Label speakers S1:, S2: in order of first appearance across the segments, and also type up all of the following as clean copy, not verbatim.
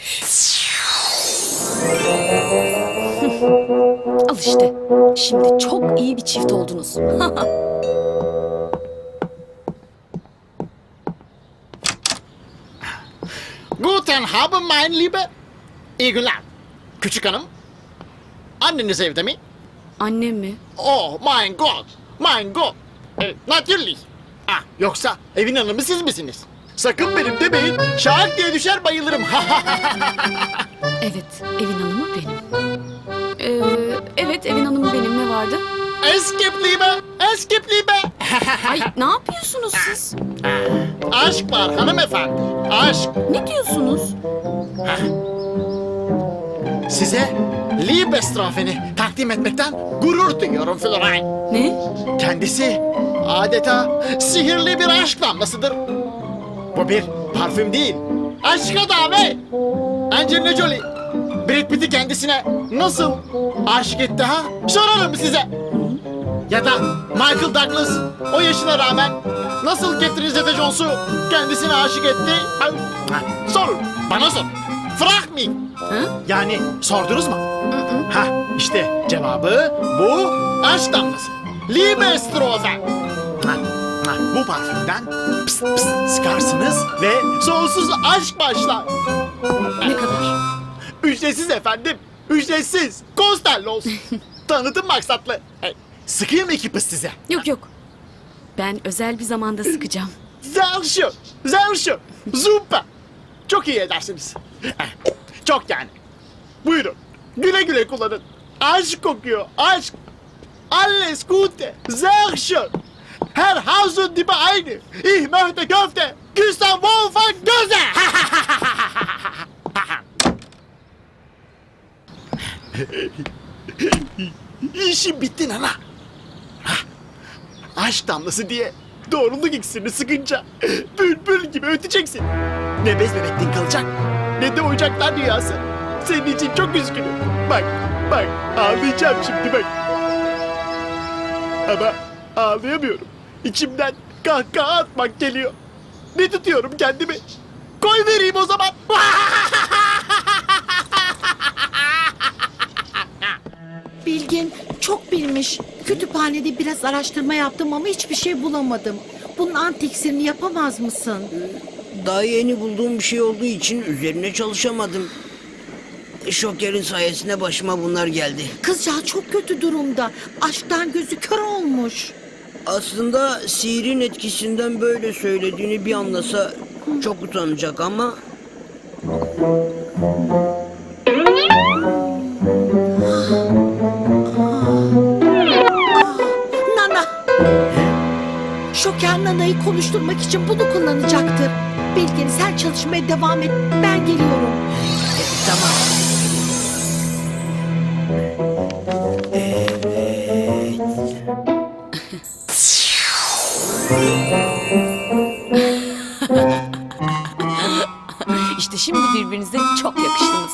S1: Al işte. Şimdi çok iyi bir çift oldunuz.
S2: Guten Abend mein Liebe. İyi günler. Küçük hanım. Anneniz evde mi?
S1: Annem mi?
S2: Oh mein Gott. Mein Gott. Natürlich. Ah, yoksa evin hanımı siz misiniz? Sakın benim demeyin. Şak diye düşer bayılırım.
S1: Evet, evin hanımı benim. Evet, evin hanımı benim. Ne vardı?
S2: Es gibt Liebe. Es gibt Liebe.
S1: Ay, ne yapıyorsunuz siz?
S2: Aşk var hanımefendi. Aşk.
S1: Ne diyorsunuz?
S2: Size Liebestrafeni takdim etmekten gurur duyuyorum Florine.
S1: Ne?
S2: Kendisi adeta sihirli bir aşk damlasıdır. Bu bir parfüm değil, aşka davet. Angelina Jolie, Brad Pitt'i kendisine nasıl aşık etti ha? Sorarım size. Ya da Michael Douglas o yaşına rağmen nasıl Catherine Zeta-Jones'u kendisine aşık etti? Sorun, bana sor. Frag me.
S1: Ha?
S2: Yani sordunuz mu? Ha, işte cevabı bu aşk damlası. Liebestrofe. Bu parfümden pıs pıs sıkarsınız ve sonsuz aşk başlar.
S1: Ne kadar?
S2: Ücretsiz efendim. Ücretsiz. Konsterli olsun. Tanıtım maksatlı. Sıkayım iki pıs size.
S1: Yok yok. Ben özel bir zamanda sıkacağım.
S2: Zelşu. Zelşu. Zumpa. Çok iyi edersiniz. Çok yani. Buyurun. Güle güle kullanın. Aşk kokuyor. Aşk. Alles Gute. Sehr schön. Her Hausen dibi aynı. Ich möchte Köfte. Gustav Wolfgang Göze. İşim bitti nana. Aşk damlası diye doğruluk iksirini sıkınca bülbül gibi öteceksin. Ne bez bebekliğin kalacak ne de oyuncaklar dünyası. Senin için çok üzgünüm. Bak, bak ağlayacağım şimdi bak. Ama ağlayamıyorum. İçimden kahkaha atmak geliyor. Ne tutuyorum kendimi? Koy vereyim o zaman.
S3: Bilgin çok bilmiş. Kütüphanede biraz araştırma yaptım ama hiçbir şey bulamadım. Bunun antiksirini yapamaz mısın?
S4: Daha yeni bulduğum bir şey olduğu için üzerine çalışamadım. Şoker'in sayesinde başıma bunlar geldi.
S3: Kızcağız çok kötü durumda. Aşktan gözü kör olmuş.
S4: Aslında sihirin etkisinden böyle söylediğini bir anlasa çok utanacak ama...
S3: Nana! Şoker Nana'yı konuşturmak için bunu kullanacaktır. Bilgin sen çalışmaya devam et. Ben geliyorum.
S4: Tamam.
S1: İşte şimdi birbirinize çok yakıştınız.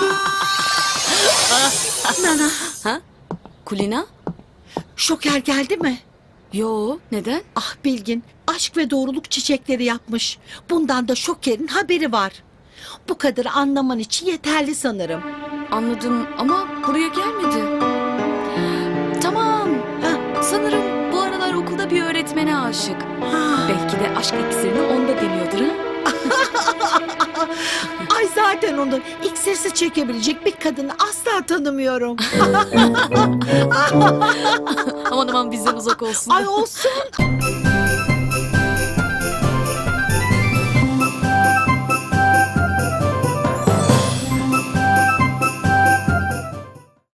S3: Nana,
S1: Ha? Kulina?
S3: Şoker geldi mi?
S1: Yo, neden?
S3: Ah Bilgin, aşk ve doğruluk çiçekleri yapmış. Bundan da Şoker'in haberi var. Bu kadarı anlaman için yeterli sanırım.
S1: Anladım ama buraya gelmedi. Tamam. Sanırım bu aralar okulda bir öğretmene aşık. Belki de aşk iksirini onda deniyordur ha?
S3: Ay zaten onu iksirsiz çekebilecek bir kadını asla tanımıyorum.
S1: Aman aman bizden uzak olsun.
S3: Ay olsun.